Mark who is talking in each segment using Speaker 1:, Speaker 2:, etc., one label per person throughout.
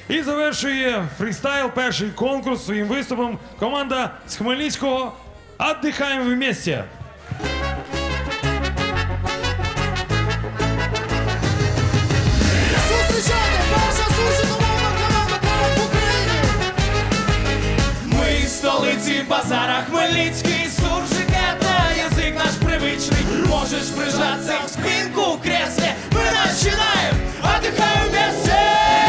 Speaker 1: І завершує фрістайл перший конкурс своїм виступом команда з Хмельницького «Отдыхаем вместе».
Speaker 2: Зустрічайте, перша суржикомовна команда в Україні.
Speaker 3: Ми з столиці базара Хмельницький, суржик это язик наш привычный. Можешь прижаться в спинку в кресле. Мы начинаем, отдыхаем вместе.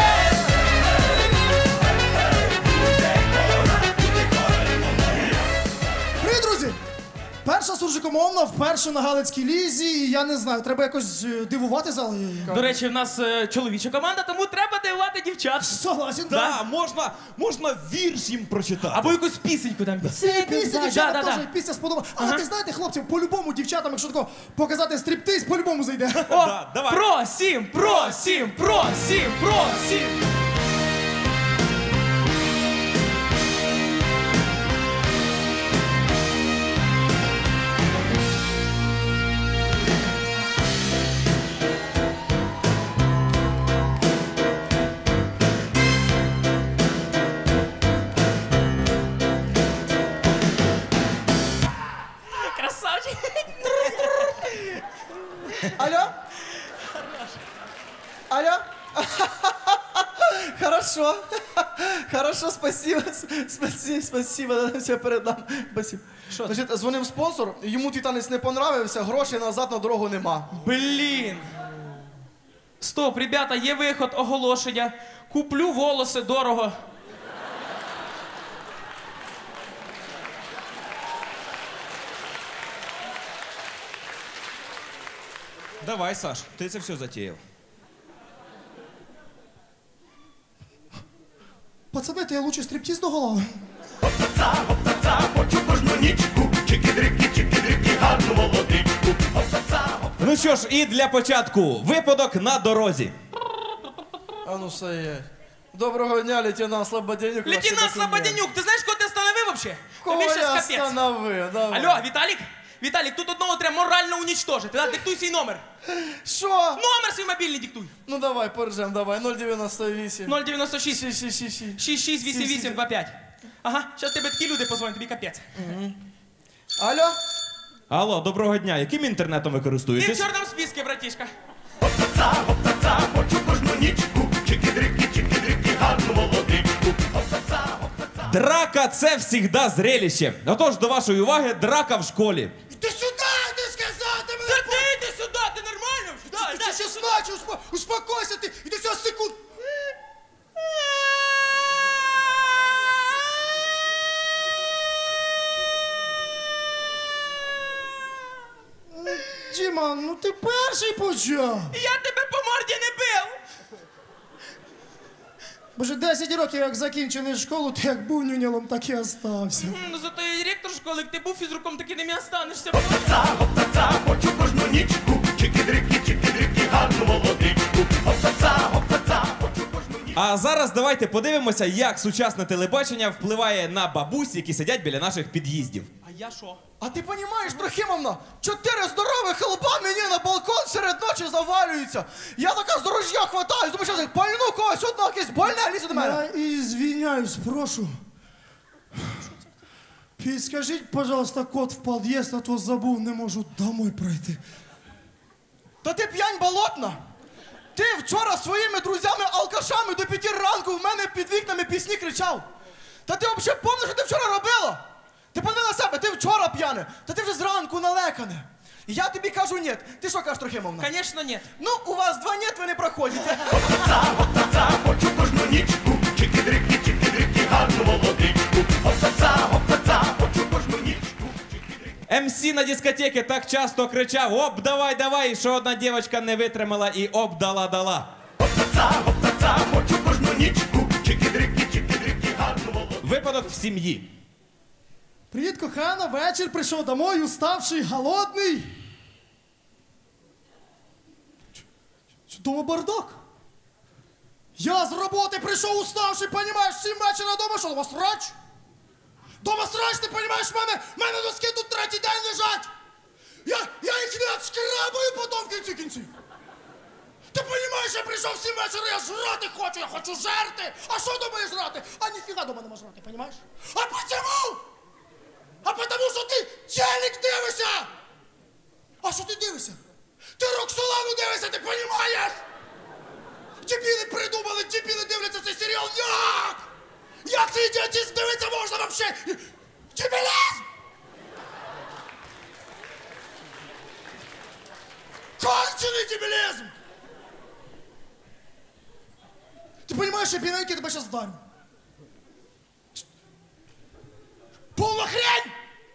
Speaker 2: Привіт, друзі! Перша суржикомовна вперше на Галицькій лізі. І я не знаю, треба якось дивувати зал.
Speaker 3: До речі, в нас чоловіча команда, тому треба дивувати дівчат.
Speaker 2: Согласен.
Speaker 4: Да, можна вірш їм прочитати.
Speaker 3: Або якусь пісеньку там.
Speaker 2: Це пісня, дівчата,
Speaker 3: да.
Speaker 2: теж пісня сподобала. Але ти знаєте, хлопці, по-любому дівчатам, якщо тако показати стриптиз, по-любому зайде.
Speaker 3: О,
Speaker 4: давай.
Speaker 3: просім, просім, просім, просім. Красавчик.
Speaker 5: Алло? Алло? Хорошо. Хорошо, спасибо. Спасибо. Все передам. Спасибо.
Speaker 3: Що?
Speaker 5: Значить, дзвонив спонсор, йому твій танець не понравився, грошей назад на дорогу нема.
Speaker 3: Блін. Стоп, ребята, є виход, оголошення. Куплю волоси дорого.
Speaker 4: Давай, Саш, ти це все затіяв.
Speaker 2: Пацани, то я лучше стриптиз до голови.
Speaker 4: Ну що ж, і для початку випадок на дорозі.
Speaker 5: А ну все є. Доброго дня, лейтенант Слободянюк.
Speaker 3: Лейтенант Слободянюк, ти знаєш, кого ти остановив вообще?
Speaker 5: Кого
Speaker 3: Тобі щас
Speaker 5: я
Speaker 3: капець.
Speaker 5: остановив? Давай.
Speaker 3: Алло, Віталік? Віталік, тут одного треба морально уничтожити. Да? Диктуй свій номер.
Speaker 5: Що?
Speaker 3: Номер свій мобільний диктуй.
Speaker 5: Ну давай, поржем, давай. 098.
Speaker 3: 096 668825. Ага, зараз тебе такі люди позвонять, тобі капець.
Speaker 5: Алло?
Speaker 4: Алло, доброго дня. Яким інтернетом ви
Speaker 3: Ти в
Speaker 4: користуєтесь?
Speaker 3: чорному списку, братішка.
Speaker 4: Драка – це завжди зрелище. Отож, до вашої уваги, драка в школі.
Speaker 2: Іди сюди, ти сказав, ти мене...
Speaker 3: Це ти йди сюди, ти нормально?
Speaker 2: Ти ще значив, успокойся ти, іди сюди секунд. Діма, ну ти перший почав.
Speaker 3: Я тебе по морді не бив.
Speaker 2: Боже, 10 років як закінчили школу, ти як був нюнялом, так і остався.
Speaker 3: Ну зато я директор школи, як ти був фізруком, таки ним і останешся.
Speaker 4: А зараз давайте подивимося, як сучасне телебачення впливає на бабусь, які сидять біля наших під'їздів.
Speaker 3: А я що?
Speaker 5: А ти розумієш, Трохимовна, 4 здорових лба мені на балкон серед ночі завалюються. Я така з ружья хватаюсь, думаю, що я пальну когось, одного якесь больне лізе до мене.
Speaker 2: Я извиняюсь, прошу. Підскажіть, пожалуйста, код в під'їзд, а то забув, не можу домой пройти.
Speaker 5: Та ти п'янь болотна. Ти вчора своїми друзями-алкашами до 5 ранку в мене під вікнами пісні кричав. Та ти взагалі пам'ятаєш, що ти вчора робила? Ти подиви на себе, ти вчора п'яне, та ти вже зранку налекане. І я тобі кажу ні. Ти що кажеш, Трохимовна?
Speaker 3: Конечно, нет.
Speaker 5: Ну, у вас 2 ні, ви не проходите.
Speaker 4: МС на дискотеки так часто кричав: «Оп, давай, давай!», що одна дівчинка не витримала і оп, дала. Випадок в сім'ї.
Speaker 2: Привіт, кохана, вечір, прийшов домой, уставший, голодний. Дома бардак. Я з роботи прийшов уставший, понімаєш, 7 вечора дома, що дома срач? Дома срач, ти понімаєш, в мене носки тут 3-й день лежать. Я їх не отшкрабаю потім в кінці кінців. Ти розумієш, я прийшов в 7 вечора, я жрати хочу, я хочу жерти. А що думаєш жрати? А ніфіга дома нема жрати, розумієш? А почему? А потому що ти телек дивишся! А що ти дивишся? Ти Роксолану дивишся, ти розумієш? Дебіли придумали, дебіли дивляться цей серіал. Як? Як цей ідіотизм дивиться можна вообще? Дебілізм! Кончений дебілізм! Ти розумієш, я біненький тебе зараз вдарю. Полна хрень!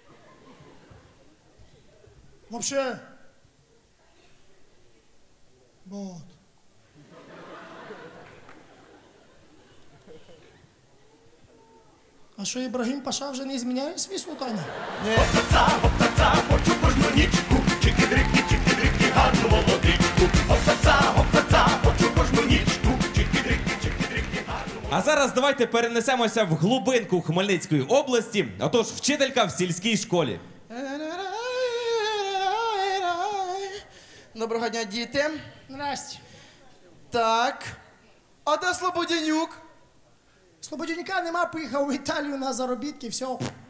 Speaker 2: Вообще. Вот. А що, Ібрагім Паша вже не зміняє свій султані?
Speaker 3: Гопцаца, хочу кожну нічку, чики-дрики, чики-дрики, гарну молодичку. Гопцаца, хочу кожну нічку, чики-дрики, чики-дрики, гарну.
Speaker 4: А зараз давайте перенесемося в глибинку Хмельницької області. Отож, вчителька в сільській школі.
Speaker 5: Доброго дня, діти.
Speaker 2: Здрасте.
Speaker 5: Так. А де Слободянюк?
Speaker 2: Слободяніка нема, поїхав в Італію на заробітки, все.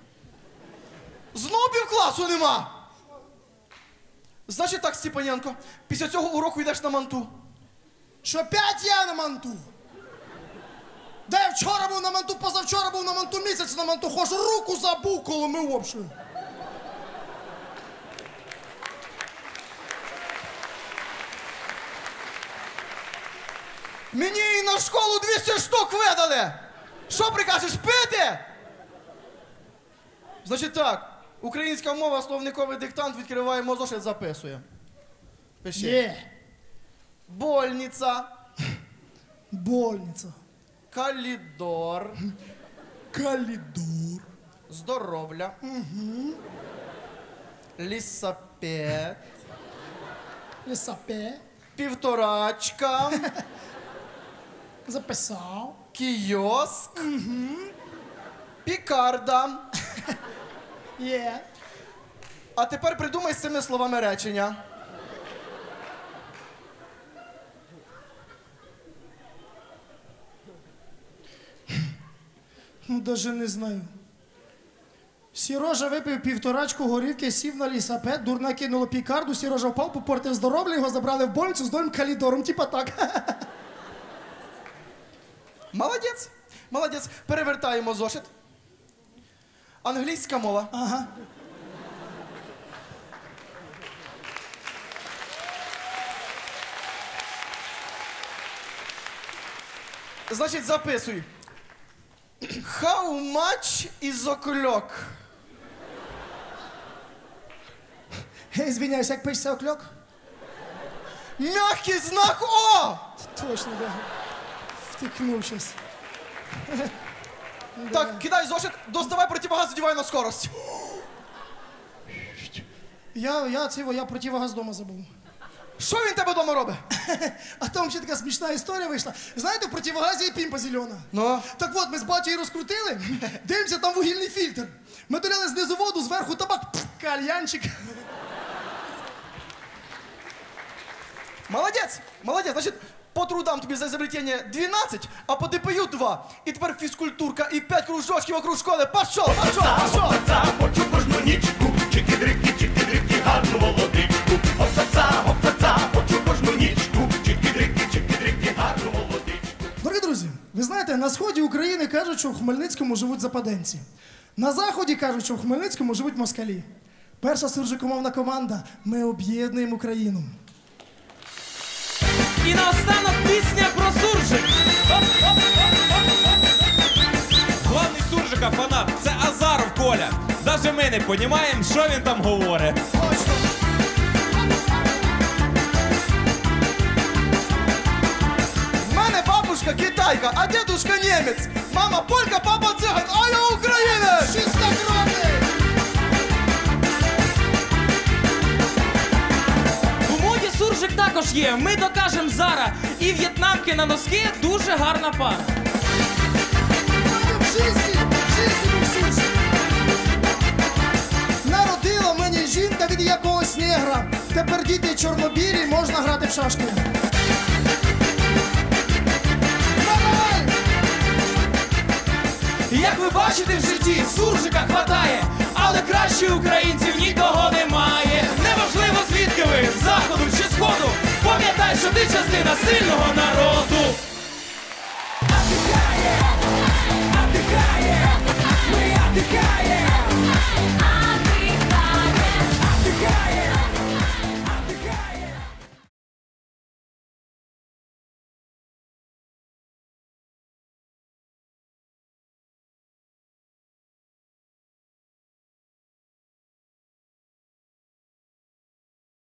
Speaker 5: Знов півкласу нема. Значить так, Степаненко, після цього уроку йдеш на манту.
Speaker 2: Що опять я на манту? Де я вчора був на манту, позавчора був на манту, місяць на манту, хоч руку забув, коли ми общою.
Speaker 5: Мені і на школу 200 штук видали. Що прикажеш, пити? Значить так, українська мова, словниковий диктант, відкриваємо зошит, записуємо. Пиши.
Speaker 2: Є.
Speaker 5: Больниця,
Speaker 2: Больниця.
Speaker 5: калідор,
Speaker 2: Калідор.
Speaker 5: здоровля, лісапет,
Speaker 2: Лісапе.
Speaker 5: півторачка,
Speaker 2: Записав.
Speaker 5: кіоск, пікарда.
Speaker 2: Є.
Speaker 5: А тепер придумай з цими словами речення.
Speaker 2: Ну, даже не знаю. Сірожа випив півторачку горівки, сів на лісапет, дурна кинула пікарду, Сірожа впав, попортив здоров'я, його забрали в больницю з новим калідором, типа так.
Speaker 5: Молодець, молодець. Перевертаємо зошит. Англійська мова.
Speaker 2: Ага.
Speaker 5: Значить, записуй. How much is o'clock?
Speaker 2: Звиняюсь, як пишеться окльок?
Speaker 5: Мягкий знак О!
Speaker 2: Точно, да. Втикнув щось.
Speaker 5: Так, кидай зошит, доставай противогаз, одівай на скорость.
Speaker 2: Я противогаз дома забув.
Speaker 5: Що він тебе вдома робить?
Speaker 2: А там ще така смішна історія вийшла. Знаєте, в противогазі є пімпа зелена.
Speaker 5: Ну?
Speaker 2: Так от, ми з батьком розкрутили, дивимося, там вугільний фільтр. Ми доляли знизу воду, зверху табак, кальянчик.
Speaker 5: Молодець, молодець. Значить, по трудам тобі за изобретение 12, а по ДПЮ 2. І тепер фізкультурка і 5 кружочків вокруг школи. Пошов, пошов, пошов.
Speaker 3: Гопцаца, хочу кожну нічку, чики-дрики, чики-дрики, гарну молодичку. Гопцаца, хочу кожну нічку, чики-дрики, чики-дрики, гарну молодичку.
Speaker 2: Дорогі друзі, ви знаєте, на сході України кажуть, що в Хмельницькому живуть западенці. На заході кажуть, що в Хмельницькому живуть москалі. Перша суржикомовна команда «Ми об'єднуємо Україну».
Speaker 4: І наостанок пісня про суржик. Главний суржика фанат – це Азаров Коля. Даже ми не розуміємо, що він там говорить.
Speaker 5: В мене бабушка китайка, а дедушка німець. Мама полька, папа циган, а я українець!
Speaker 2: Чистокровний!
Speaker 6: У моді суржик також є. Ми докажем зараз. І в'єтнамки на носки дуже гарна пара.
Speaker 2: В житті ми всі. Народила мені жінка від якогось негра. Тепер діти чорнобілі, можна грати в шашки.
Speaker 3: Як ви бачите в житті, суржика хватає, але краще українців нікого